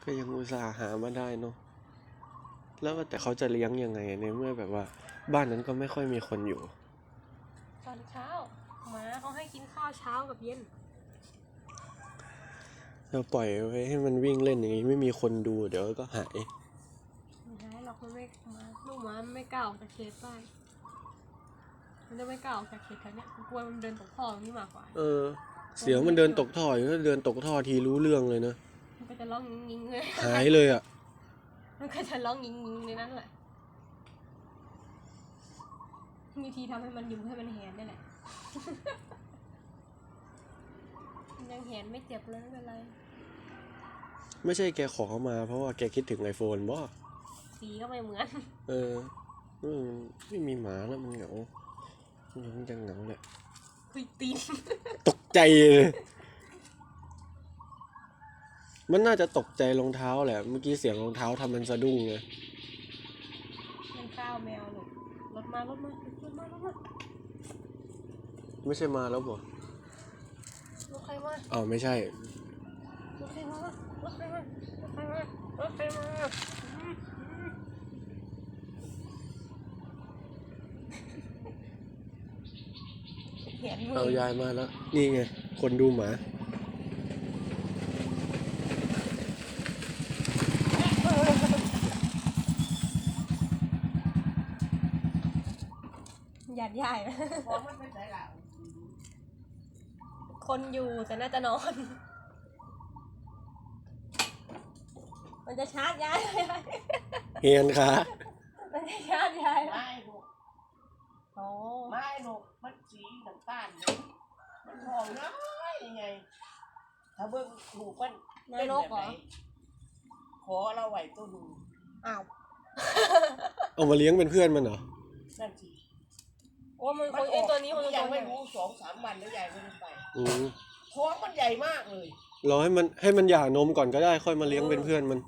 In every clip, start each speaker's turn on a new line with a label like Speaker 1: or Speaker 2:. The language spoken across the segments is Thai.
Speaker 1: ก็ยังอุตส่าห์หามาได้เนาะแล้วแต่เขาจะเลี้ยงยังไงในเมื่อแบบว่าบ้านนั้นก็ไม่ค่อยมีคนอยู่
Speaker 2: ตอนเช้าหมาเขาให้กินข้าวเช้ากับเย็น
Speaker 1: เราปล่อยไว้ให้มันวิ่งเล่นอย่างนี้ไม่มีคนดูเดี๋ยวก็หาย
Speaker 2: ไม่หายหรอกมันไม่มาลูกหมามันไม่กล้าออกจากเขตบ้านมันจะไม่กล้าออกจากเขตแถวเนี้ยกลัวมันเดินตกท่อนี่มากกว่า
Speaker 1: เสียงมันเดินตกท่ออยู่ถ้าเดินตกท่อทีรู้เรื่องเลยนะ
Speaker 2: มันก็จะร้องงิ้งๆเลย
Speaker 1: หายเลยอ่ะ
Speaker 2: มันก็จะร้องงิ้งๆในนั้นแหละมีทีทำให้มันยุ่งให้มันแหนได้แหละ ยังแหนไม่เจ็บเลยไม่เป็นไร
Speaker 1: ไม่ใช่แกขอมาเพราะว่าแกคิดถึงไอโฟนบ่
Speaker 2: สีก็ไม่เหมือน
Speaker 1: ไม่มีหมาแล้วมันเหงามันจะเหงาแหละ
Speaker 2: คุยตีน
Speaker 1: ตกใจเลยมันน่าจะตกใจรองเท้าแหละเมื่อกี้เสียงรองเท้าทำมันสะดุ้งไง
Speaker 2: มันข้าวแมวหนูรถมารถมา
Speaker 1: ไม่ใช่มาแล้วบ่
Speaker 2: รถใครมา
Speaker 1: อ้าวไม่ใช่
Speaker 2: รถใครมารถใครมารถใครมารถใครมา
Speaker 1: เอายายมาแล้วนี่ไงคนดูหมา
Speaker 2: หยาดใหญ่คนอยู่แต่น่าจะนอนมันจะชาร์จยาย
Speaker 1: เฮียนค่ะ
Speaker 2: มันจะชาร์จยาย
Speaker 3: ไม่ลูกไม่ลูกมันสีน้ำตาลเลยมันหอมน้อยยังไงถ้าเบิ่งลูกมันเป็นแบบไหนขอเราไหวตัวดู
Speaker 2: อ้าว
Speaker 1: เอามาเลี้ยงเป็นเพื่อนมันเหรอ
Speaker 3: นั่นสิ
Speaker 2: โอ้มันคนตัวนี้มัน
Speaker 3: ยังไม่รู้2-3 วันแล้วยายไม่ได้ไปท้องมันใหญ่มากเลย
Speaker 1: รอให้มันหย่านมก่อนก็ได้ค่อยมาเลี้ยงเป็นเพื่อนมัน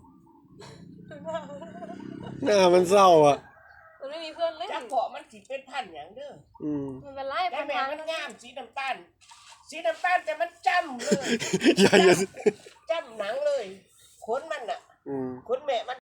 Speaker 1: หน้ามันเศร้าอ่ะ
Speaker 2: มันไม่มีเพื่อนเล่น
Speaker 3: จะเกาะมันสิเป็นพันอย่างเด้อ
Speaker 2: มันเป็นไร
Speaker 3: แต่แม่มันงามสีน้ำตาลแต่มันจ้ำเลย
Speaker 1: อย่า
Speaker 3: จ้ำหนังเลยขนมันอ่ะขนแม่มัน